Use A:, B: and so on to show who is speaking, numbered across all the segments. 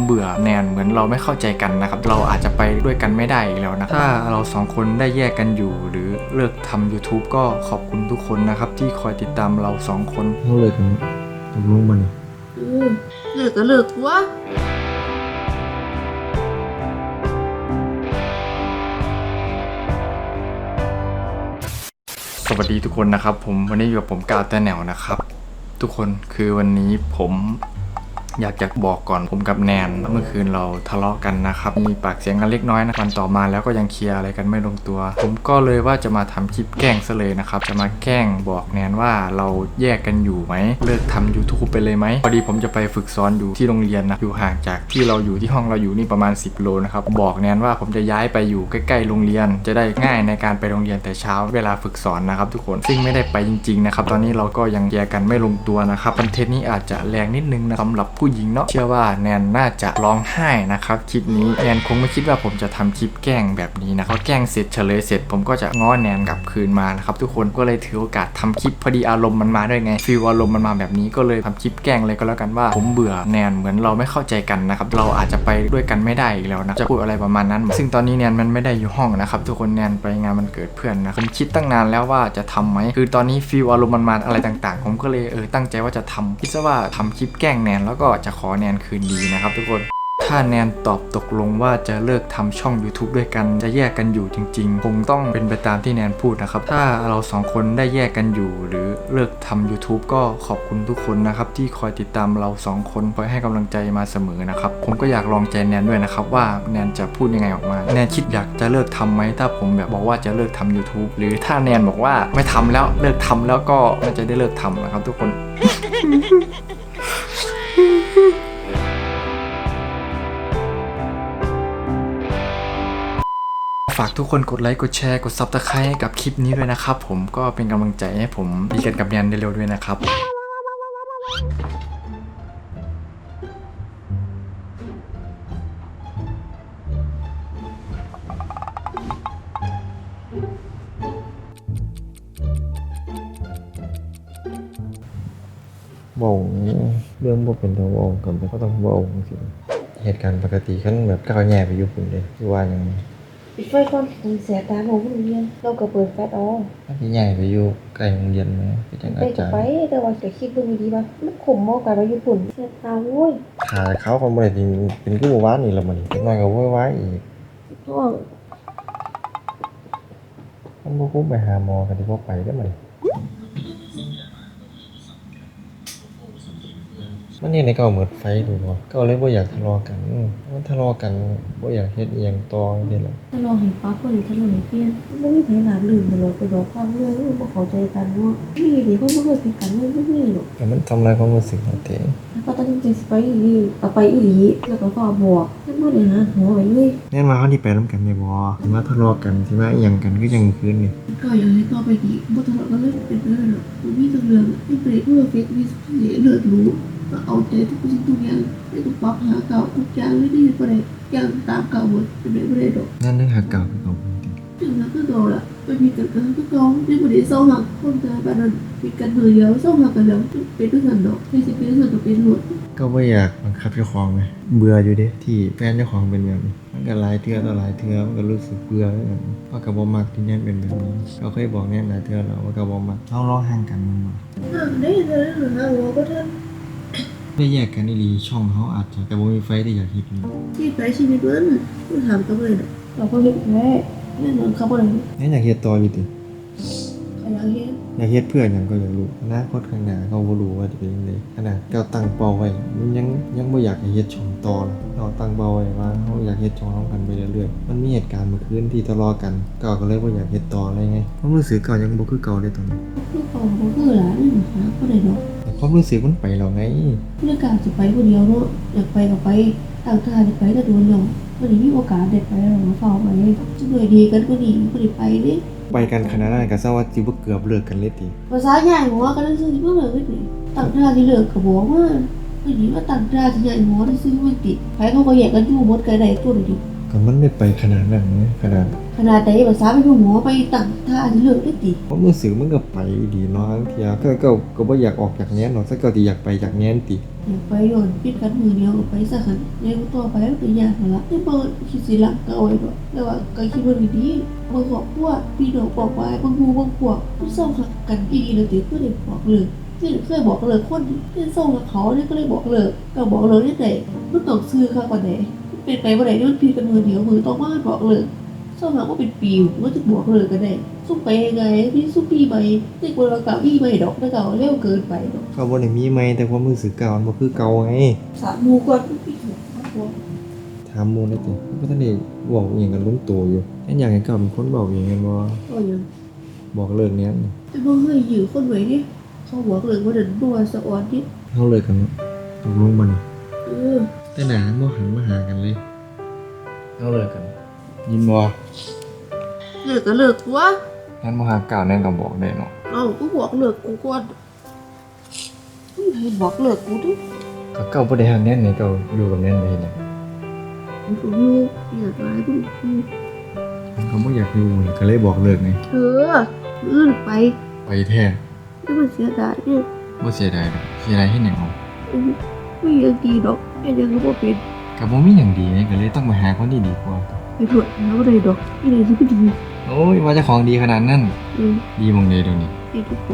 A: เบื่อแนนเหมือนเราไม่เข้าใจกันนะครับเราอาจจะไปด้วยกันไม่ได้อีกแล้วนะถ้าเราสองคนได้แยกกันอยู่หรือเลิกทำ YouTube ก็ขอบคุณทุกคนนะครับที่คอยติดตามเราสองคน
B: เขาเลยกันตกลงมานี่
C: เลิกก็เลิกวะ
A: สวัสดีทุกคนนะครับผมวันนี้อยู่กับผมกาวแต่แนวนะครับทุกคนคือวันนี้ผมอยากจะบอกก่อนผมกับแนนเมื่อคืนเราทะเลาะกันนะครับมีปากเสียงกันเล็กน้อยนะวันต่อมาแล้วก็ยังเคลียร์อะไรกันไม่ลงตัวผมก็เลยว่าจะมาทำคลิปแกล้งซะเลยนะครับจะมาแกล้งบอกแนนว่าเราแยกกันอยู่ไหมเลิกทำ YouTube ไปเลยไหมพอดีผมจะไปฝึกสอนอยู่ที่โรงเรียนนะอยู่ห่างจากที่เราอยู่ที่ห้องเราอยู่นี่ประมาณ10 โลนะครับบอกแนนว่าผมจะย้ายไปอยู่ใกล้ๆโรงเรียนจะได้ง่ายในการไปโรงเรียนแต่เช้าเวลาฝึกสอนนะครับทุกคนซึ่งไม่ได้ไปจริงๆนะครับตอนนี้เราก็ยังเคลียร์กันไม่ลงตัวนะครับคอนเทนต์นี้อาจจะแรงนิดนึงนะสำหรับผู้หญิงเนาะเชื่อว่าแนนน่าจะร้องไห้นะครับคลิปนี้แนนคงไม่คิดว่าผมจะทำคลิปแกล้งแบบนี้นะพอแกล้งเสร็จเฉลยเสร็จผมก็จะง้อแนนกลับคืนมานะครับทุกคนก็เลยถือโอกาสทำคลิปพอดีอารมณ์มันมาด้วยไงฟีลอารมณ์มันมาแบบนี้ก็เลยทำคลิปแกล้งเลยก็แล้วกันว่าผมเบื่อแนนเหมือนเราไม่เข้าใจกันนะครับเราอาจจะไปด้วยกันไม่ได้อีกแล้วนะจะพูดอะไรประมาณนั้นซึ่งตอนนี้แนนมันไม่ได้อยู่ห้องนะครับทุกคนแนนไปงานมันเกิดเพื่อนนะผมคิดตั้งนานแล้วว่าจะทำไหมคือตอนนี้ฟีลอารมณ์มันมาอะไรต่างๆผมก็เลยตั้งใจว่าจะทำคิดซะว่าทำคลิปแกล้งแนนแล้วก็จะขอแนนคืนดีนะครับทุกคนถ้าแนนตอบตกลงว่าจะเลิกทำช่อง YouTube ด้วยกันจะแยกกันอยู่จริงๆคงต้องเป็นไปตามที่แนนพูดนะครับถ้าเราสองคนได้แยกกันอยู่หรือเลิกทำ YouTube ก็ขอบคุณทุกคนนะครับที่คอยติดตามเราสองคนคอยให้กำลังใจมาเสมอนะครับผมก็อยากลองใจแนนด้วยนะครับว่าแนนจะพูดยังไงออกมาแนนคิดอยากจะเลิกทำไหมถ้าผมแบบบอกว่าจะเลิกทำ YouTube หรือถ้าแนนบอกว่าไม่ทำแล้วเลิกทำแล้วก็น่าจะได้เลิกทำนะครับทุกคน ฝากทุกคนกดไลค์กดแชร์กด Subscribe ให้กับคลิปนี้ด้วยนะครับผมก็เป็นกำลังใจให้ผมดีกันกับแนนได้เร็วด้วยนะครับ
B: บอกเรื่องบ่เป็นตัวบอกกันแต่ก็ต้องบอกสิเหตุการณ์ปกติขั้นแบบก้าวแย่ไปอยู่ปุ่นเลยคือว่าอย่าง
C: ปิดไฟก่อนถึงเสียตาของโรงเรียนเราก็เปิดแฟลชออก
B: ถ้าพี่ใหญ่ไปอยู่ใกล้โรงเรียนไหมพี่จัง
C: ไป
B: อา
C: ก็
B: จารย์
C: ไปแต่ว่าจะคิดดูดีป่ะมันขมมากกว่าเราญี่ปุ่นเสียตาโว้ย
B: ขาเขาก็ไม่ได้จริงเป็นกู้ว้านนี่ละมันเล็กน้อยก็ว้ายอีก
C: เพราะว่า
B: มันบ่คุ้มไปหาหมอกันที่พวกไปได้ไหมมันนี่ในเก่าเหมือนไฟดูบ่ก็เลยบ่อยากทะเลาะกันมันทะเลาะกันบ่อยากเฮ็ดอีหยังต่อจังซี่ล่ะ
C: ถ้าเราเห็นปั๊บก็เลยถ้าเราเห็นเพี้ยนไม่มีใครหนาลืมแต่เราไปบอกความเรื่องไม่เข้าใจกันว่ามีเดี๋ยวก็ไม่เคยเป็นกันไม่มีหรอก
B: แต่มันทำลายความรู้สึกของเต้
C: แล้วก็ตั้งใจไปอีหลีเอาไปอีหลีแล้วก็พ่อบอกให้เมื่อไหร่นะหัวไว้เลย
B: แน่นว่าเขาที่ไปนำกันได้บ่สิมาทะเลาะกันสิมาอีหยังกันคือจังคืนนี่
C: ก็อย่างนี้ต่อไปดีบ่ทะเลาะกันเลยเป็นเรื่องหรอกมีแต่เรื่องไม่เปรตเพื่อเฟกมีเลือดรู้เอาใจทุกสิ่งทุกอย่างไม่ต้องปรับหาเก่าทุกอย่างไม่ได้ประเด็นอย่างตามเก่าหมดเป็นไม่ได้ดอก
B: นั่นนึกหาเก่าคือเก่าจริง
C: ถึงนั้นก็โดนละไม่มีกันก็กองไม่ประเดี๋ยวเศร้าหักคนตายบ้านนั้นมีกันมือเดียวเศร้าหักกันแล้วเป็นด้วยกันดอกไม่ใช่เป็นด้วยกันกับเป็นหมด
B: ก็บ่อยากบังคับเจ้าของไงเบื่ออยู่เด้ที่แฟนเจ้าของเป็นแบบนี้มันก็หลายเทื่อต่อหลายเทื่อมันก็รู้สึกเบื่อแล้วเพราะก็บ่มักที่แน่นเป็นแบบนี้ก็เคยบอกแน่นหลายเทื่อแล้วว่าก็บ่มักเฮารอห่างกันมันบ่
C: ได้เลยนะหัวก็ท่าน
B: ได้แยกกันอีหลีช่องเฮาอาจจะแต่บ่มีไฟที่อยากเฮ็ดนี่
C: ที่ไปชีวิตมันคุณถามก็เลยเราก็เห็นแม่แน่นอนเขาบอกเลย
B: แน่อยากเฮ็ดต่ออยู่ติ
C: เขาอยากเห็น
B: อยากเฮ็ดเพื่อหยังก็อยากรู้อนาคตข้างหน้าเขาบ่รู้ว่าจะเป็นจังไดขนาดเจ้าตั้งเป้าไว้มันยังบ่อยากให้เฮ็ดช่องต่อเลยเราตั้งเป้าไว้ว่าเฮาอยากเฮ็ดช่องร่วมกันไปเรื่อยๆมันมีเหตุการณ์เมื่อคืนที่ทะเลาะกันก็เลยบ่อยากเฮ็ดต่ออะไรไงความรู้สึกเก่ายังบ่คือเก่าเลยตอนนี้
C: ลูกของเขาคือหลานนี่นะก็เลยเนาะ
B: แต่ความรู้สึกมันไปแล้วไง
C: เรื่องการจะไปคนเดียวเนาะอยากไปก็ไปต่างทางจะไปก็โดนเนาะวันนี้มีโอกาสเด็ดไปเราเฝ้าไปจะด้วยดีกันก็ดีก็ดีไปนี่
B: ไปกันขนาดนั้นก็ซะว่าสิบ่เกือบเลิกกันเลยติ
C: ภาษาใหญ่หัวกันซื้อเมื่อเลยนี่ต่างทางที่เลิกกับบอกว่าวันนี้ว่าต่างทางที่ใหญ่หัวที่ซื้อมันติดใครเขาก็แยกกันอยู่หมดกันได้ตัวเดียว
B: ก็มันไม่ไปขนาดนั้นนะขนาด
C: ขนาดไหนภาษาไปอยู่หัวไปต่างทางที่เลิกได้ติ
B: ความรู้สึกมันก็ไปดีเนาะบางเทีก็บ่อยากออกจากแนนเนาะซะก็สิอยากไปจากแนนติ
C: อยากไปโยนปิดกันมือเดียวก็ไปซะคั่นยังต่อไปมันก็ยากนั่นล่ะแต่บ่คิดสิรักเก่าไว้ดอกแต่ว่าก็คิดว่าดีๆบ่ครอบครัวพี่น้องบอกว่าบางหมู่บางพวกมันเศร้าคักกันอีหลีแล้วติคือได้บอกเลิกนี่เคยบอกเลิกคนที่เศร้ากับเขาเนี่ยก็เลยบอกเลิกก็บอกเลิกได้แต่มันต้องซื้อคักกว่าใดเป็นไปบ่ได้ที่มันผิดกันมือเดียวมือต้องมาบอกเลิกเศร้าหาว่าเป็นปีมันจะบอกเลิกกันได้สู้ไปยังไงพี่สู้ปีใหม่แต่กว่าเราเก่าอีใหม่ดอกแต่เก่าเร็วเกินไปดอก
B: ก็บ่ได้มีไหมแต่ความรู้สึกเก่ามันบ่คือเก่าไง
C: สามหมู่ก่อนพี่ถูกครับ
B: ถามหมู่ได้ติบ่ทันได้บอกอิหยังกันลงตัวอยู่แค่อยากให้เก่าเป็นคนบอกเองกันบ่
C: ก็ยัง
B: บอกเลิกเนี้ย
C: แต่บ่เคยอยู่คนไว้ดิเขาบอกเลยว่าเดินบัวสะออนดิ
B: เฮาเลิกกันเนาะตกลงบ่นี่
C: เออ
B: แต่หนาบ่หันมาหากันเลยเฮาเลิกกัน ยินบ่
C: เลิกก็เลิกวะ
A: งั้นบ่หาก้าวแน่นก็บอกได้เนาะ
C: เอ้ากูบอกเลิกกูก่อนให้บอกเลิกกูดิ
A: ก็เก้าบ่ได้ฮักแน่นนี่เก้าอยู่กับแน่นไปเฮ็ดหยัง
C: กูก็อยู่อยากร้ายกู
B: มันก็บ่อยากอยู่นี่ก็เลยบอกเลิกไง
C: เธออื่นไป
B: ไปแท้
C: ไม่มันเสียดายเนี่ย
B: บ่เสียดายดอกเสียดายเฮ็ดหยังเอา
C: ไม่ยังดีดอกแค่ยังก็เป็น
B: ก็บ่มีหยังดีนี่ก็เลยต้องไปหาคนที่ดีกว่า
C: ไปตรวจแล้วอะไรดอกไม่ได้ที่ไม่ดี
B: โอ้ยว่าเจ้าของดีขนาดนั้น
C: เออ
B: ดีหม่องใดเดี๋ยวนี้
C: ไอ้ทุกคน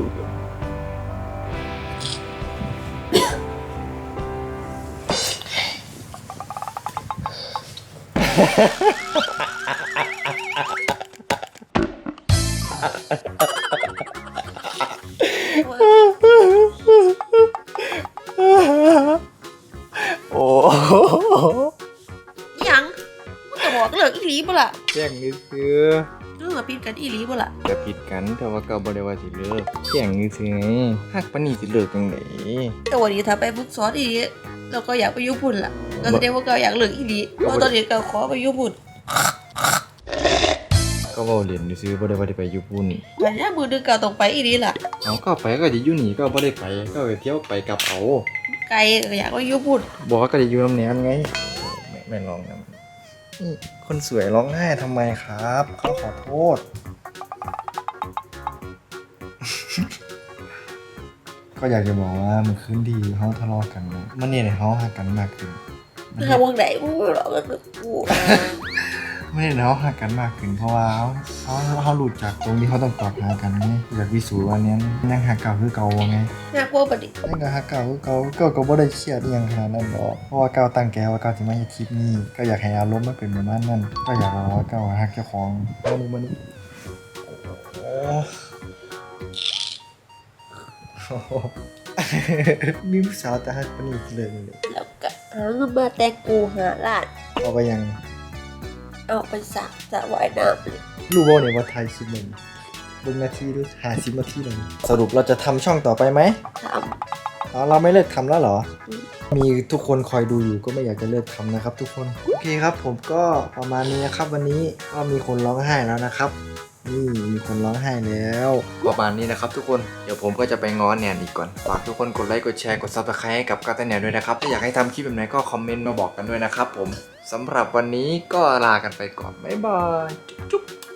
A: โอ้
C: ยังมึงจะบอกเลิกอีหลีบ่ล่ะ
B: แจ้งซื่อ
C: เรื่องผิดกันอีหลีบ่ล่ะ
A: จะผิดกันแต่ว่าเก้าบ่ได้ว่าสิเลิกแจ้งซื่อๆไงฮักปานนี้สิเลิกจังได๋
C: แต่วันนี้ถ้าไปฝึกสอนอีหลีเราก็อยากไปญี่ปุ่นล่ะก็แสดงว่าเราอยากเลิกอีหลีเพราะตอนนี้เราขอไปญี่ปุ่น
A: ก็เว้าเล่นซื่อๆบ่ได้ว่าได้ไปญี่ปุ่น
C: แต่ถ้ามือดึงเราต้องไปอีหลีล่ะ
A: เอาก็ไปก็สิอยู่นี่ก็บ่ได้ไปก็ไปเที่ยวไปกลับเอา
C: ไกลก็อยากไปญี่ปุ่น
A: บอกว่าก็จะอยู่น้ำแนนไงแม่ร้องนะนี่คนสวยร้องไห้ทำไมครับเขาขอโทษ ก็อยากจะบอกว่ามันคืนดีเขาทะเลาะกันนะมันเนี่ยเขาหักกันมากขึ้น
C: ถ้าวงไหนกูหรอกก็คือกู
A: ไม่ได้เขาหักกันมากขึ้นเพราะว่าเขาหลุดจากตรงที่เขาต้องตอบหากันไงอยากพิสูจน์ว่าเนี้ยยังหักเก่าคือเก่าไง
C: น่ากลัวปะดิ
A: ยังก็หักเก่าคือเก่าก็บ่ได้เครียดอหยังขนาดนั้นหรอกเพราะว่าเก่าตั้งแกว่าเก่าสิมาเฮ็ดคลิปนี้ก็อยากให้อารมณ์มันเป็นประมาณนั้นก็อยากบอกว่าเก่าหักเจ้าของมันมีผู้สาวแต่หักคนนี้เลย
C: แล้วก็หาเงินมาแต่งกูหาล้าน
A: เอาไปยัง
C: เอาไปสักสระว่ายน้ำเลย
A: รู้บ่เนี่ยว่าไทยคลิปนึงเบิ่งนาทีดู50นาทีนึงสรุปเราจะทำช่องต่อไปไหม
C: ท
A: เราไม่เลิกทำแล้วเหรอ มีทุกคนคอยดูอยู่ก็ไม่อยากจะเลิกทำนะครับ ทุกคน โอเคครับ ผมก็ประมาณนี้นะครับ วันนี้ก็มีคนร้องไห้แล้วนะครับ นี่มีคนร้องไห้แล้วประมาณนี้นะครับ ทุกคนเดี๋ยวผมก็จะไปง้อแนนอีกก่อนฝากทุกคนกดไลค์กดแชร์กด Subscribe ให้กับกาตาแนนด้วยนะครับถ้าอยากให้ทำคลิปแบบไหนก็คอมเมนต์มาบอกกันด้วยนะครับ ผมสำหรับวันนี้ก็ลากันไปก่อนบ๊ายบายจุ๊บ